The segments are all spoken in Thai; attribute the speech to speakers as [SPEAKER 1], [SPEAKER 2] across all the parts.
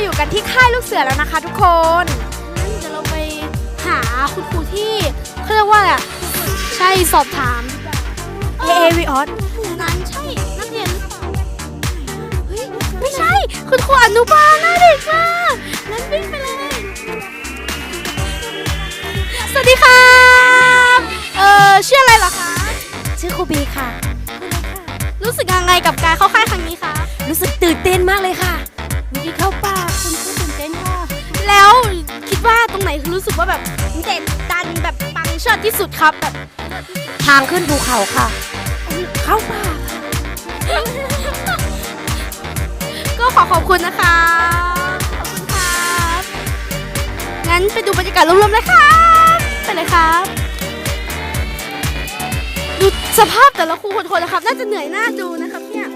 [SPEAKER 1] อยู่กันที่ค่ายลูกเสือแล้วนะคะทุกคนเดี๋ยวเราไปหาคุณครูที่เขาเรียกว่าอะไรใช่สอบถามวิออสนั้นใช่นักเรียนหรือเปล่าเฮ้ยไม่ใช่คุณครูอนุบาลน่าเด็กมากนั้นวิ่งไปเลยสวัสดีค่ะชื่ออะไรเหรอคะ
[SPEAKER 2] ชื่อครูบีค่ะ
[SPEAKER 1] รู้สึกยังไงกับการเข้าค่ายครั้งนี้คะ
[SPEAKER 2] รู้สึกตื่นเต้นมากเลยค่ะวิธีเข้าป่าคุณครูตื่นเต้นค่ะ
[SPEAKER 1] แล้วคิดว่าตรงไหนรู้สึกว่าแบบเด็ดดันแบบปังเชิดที่สุดครับแบบ
[SPEAKER 2] ทางขึ้นภูเขาค่ะเข้าป่า
[SPEAKER 1] ก็ขอบคุณนะคะขอบคุณครับงั้นไปดูบรรยากาศรวมๆเลยครับไปเลยครับดูสภาพแต่ละครูคนๆนะครับน่าจะเหนื่อยหน้าดูนะครับเนี่ย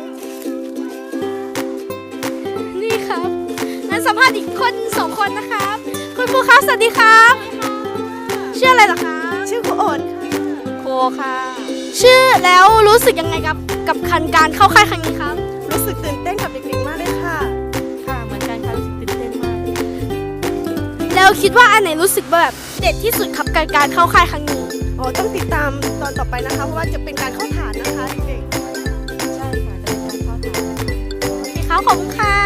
[SPEAKER 1] นี่ครับงั้นสัมภาษณ์อีกคน2 คนนะครับคุณครูครับสวัสดีครับชื่ออะไรล่ะคะ
[SPEAKER 2] ชื่อครูโอน
[SPEAKER 1] ครูค่ะชื่อแล้วรู้สึกยังไงกับการเข้าค่ายครั้งนี้ครับ
[SPEAKER 2] รู้สึกตื่นเต้นกับเด็กๆมากเลยค่ะค่ะเหมือนกันค่ะรู้สึกตื่นเต้นมาก
[SPEAKER 1] แล้วคิดว่าอันไหนรู้สึกแบบเด็ดที่สุดครับการเข้าค่ายครั้งนี้
[SPEAKER 2] ต้องติดตามตอนต่อไปนะคะเพราะว่าจะเป็นการเข้าฐานนะคะเด็กๆใช่ค่ะจะเป็นการเข้าฐาน
[SPEAKER 1] โอเคครับขอบคุณค่ะ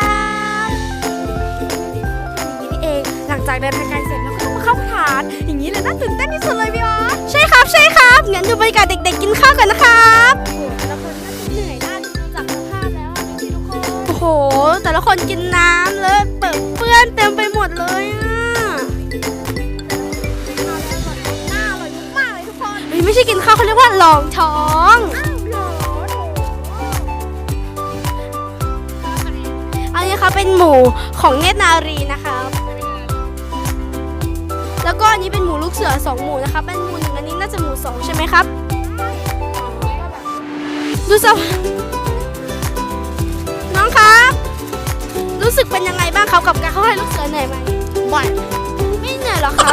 [SPEAKER 1] อย่างนี้นี่เองหลังจากเดินทางไกลเสร็จแล้วก็มาเข้าฐานอย่างนี้เลยน่าตื่นเต้นที่สุดเลยพี่อ๋อใช่ครับงั้นดูบรรยากาศเด็กๆกินข้าวกันนะครับแต่ละคนน่าจะเหนื่อยน่าดูจากสภาพแล้วพี่ทุกคนโอ้โหแต่ละคนกินน้ำเลอะเปื้อนเต็มไปหมดเลยไม่ใช่กินข้าวเขาเรียกว่าลองท้องอันนี้ค่ะเป็นหมูของเนตรนารีนะคะแล้วก็อันนี้เป็นหมูลูกเสือ2 หมูนะคะเป็นหมู1อันนี้น่าจะหมู2ใช่ไหมครับดูสิน้องครับรู้สึกเป็นยังไงบ้างครับกับการเข้าค่ายลูกเสือเหนื่อยไหมบ่อยไม่เหนื่อยหรอครับ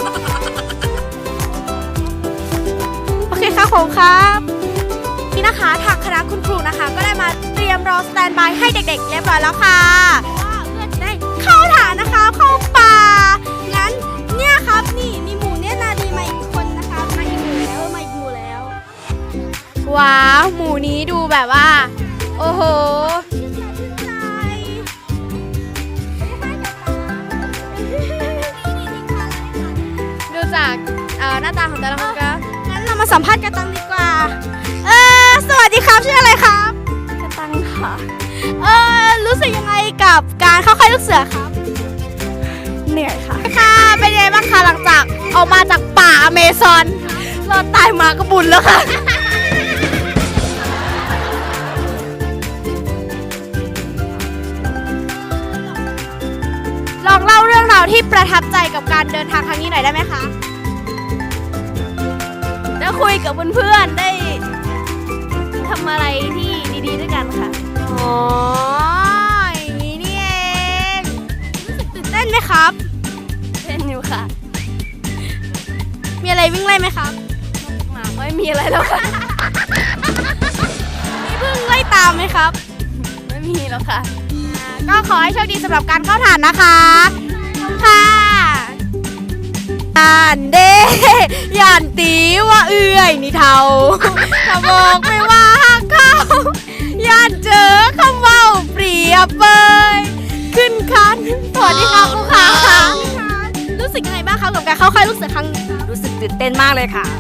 [SPEAKER 1] โอเคค่ะผมครับนี่นะคะทางคณะคุณครูนะคะก็ได้มาเตรียมรอสแตนบายให้เด็กๆเรียบร้อยแล้วค่ะเพื่อจะได้เข้าฐานนะคะเข้าป่างั้นเนี่ยครับนี่มีหมูเนี่ยนาดีมาอีกคนนะคะมาอีกหมูแล้วว้าวหมูนี้ดูแบบว่าโอ้โหดูจากหน้าตาของแต่ละคนก็งั้นเรามาสัมภาษณ์กระตังดีกว่าสวัสดีครับชื่ออะไรครับกระตังค่ะรู้สึกยังไงกับการเข้าค่ายลูกเสือครับเหนื่อยค่ะค่ะเป็นยังไงบ้างคะหลังจากออกมาจากป่าอเมซอนรอดตายมาก็บุญแล้วค่ะลองเล่าเรื่องราวที่ประทับใจกับการเดินทางครั้งนี้หน่อยได้ไหมคะได้คุยกับเพื่อนๆได้ทำอะไรที่ดีๆด้วยกันค่ะอ๋ออย่างนี้นี่เองรู้สึกตื่นเต้นไหมครับเต้นอยู่ค่ะมีอะไรวิ่งไล่ไหมครับหมาไม่มีอะไรแล้วค่ะมีพึ่งไล่ตามไหมครับไม่มีแล้วค่ะก็ขอให้โชคดีสำหรับการเข้าฐานนะคะขอบคุณค่ะอันเด้ยันตีว่าเอื่อยนี่เท่าถ้าบอกไม่ว่าหักเขายันเจอคำว่าเปรียบเปยขึ้นคันสวัสดีค่ะครูขารู้สึกยังไงบ้างคะกับการเข้าค่ายลูกเสือครั้งนี้
[SPEAKER 2] รู้สึกตื่นเต้นมากเลยค่ะ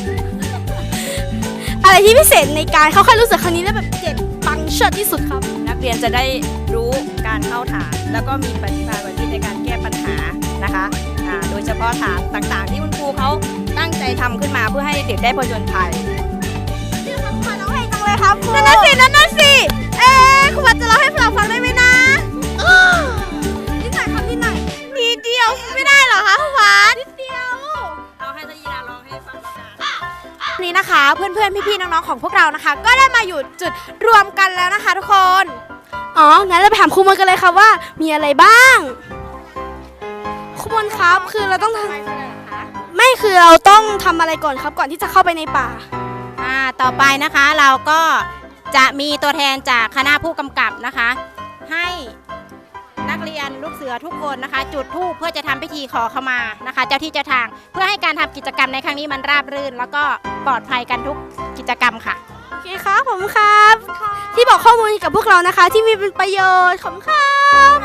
[SPEAKER 1] อะไรที่พิเศษในการเข้าค่ายลูกเสือครั้งนี้แล้วแบบเจ็ดปังเชิดที่สุดครับ
[SPEAKER 2] นักเรียนจะได้รู้การเข้าฐานแล้วก็มีปฏิภาณในการแก้ปัญหานะคะโดยเฉพาะฐานต่างๆที่คุณครูเขาตั้งใจทำขึ้นมาเพื่อให้เด็กได้ผจญภัย
[SPEAKER 1] ชื่อคำขวัญร้องเพลงจังเลยครับนั่นน่ะสิครูวัดจะร้องให้เราฟังได้ไหมนะนิดหน่อยครับนิดหน่อยนิดเดียวไม่ได้เหรอคะครูวัดนิดเดียว
[SPEAKER 2] เอาให้ทยีราร้องให้ฟัง
[SPEAKER 1] นี่นะคะเพื่อนๆพี่ๆน้องๆของพวกเรานะคะก็ได้มาอยู่จุดรวมกันแล้วนะคะทุกคนงั้นเราไปถามครูมนกันเลยค่ะว่ามีอะไรบ้างครูมนครับคือเราต้องทำไม่คือเราต้องทำอะไรก่อนครับก่อนที่จะเข้าไปในป่า
[SPEAKER 2] ต่อไปนะคะเราก็จะมีตัวแทนจากคณะผู้กำกับนะคะให้นัก
[SPEAKER 3] กเรียนลูกเสือทุกคนนะคะ จุดธูปเพื่อจะทำพิธีขอขมานะคะ เจ้าที่เจ้าทางเพื่อให้การทำกิจกรรมในครั้งนี้มันราบรื่น แล้วก็ปลอดภัยกันทุกกิจกรรมค่ะ
[SPEAKER 1] โอเคครับผมครับ ที่บอกข้อมูลกับพวกเรานะคะ ที่มีเป็นประโยชน์ขอบคุณครับ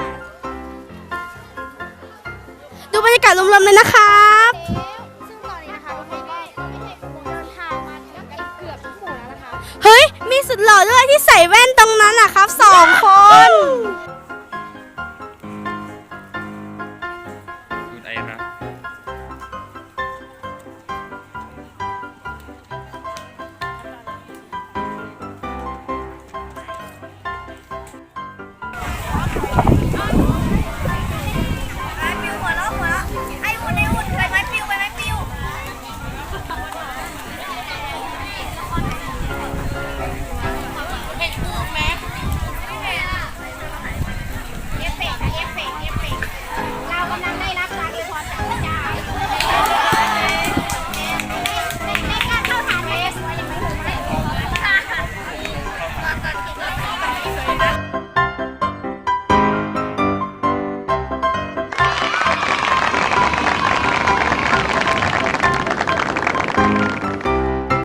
[SPEAKER 1] ดูบรรยากาศรวมๆเลยนะครับ
[SPEAKER 4] ซึ่งตอนนี้นะคะรถเมย์ก็เดินทางมาถึงกันเกือบทุกหมู่แล้วนะคะ
[SPEAKER 1] เฮ้ย มีสุดหล่อด้วยที่ใส่แว่นตรงนั้นนะครับ2 คน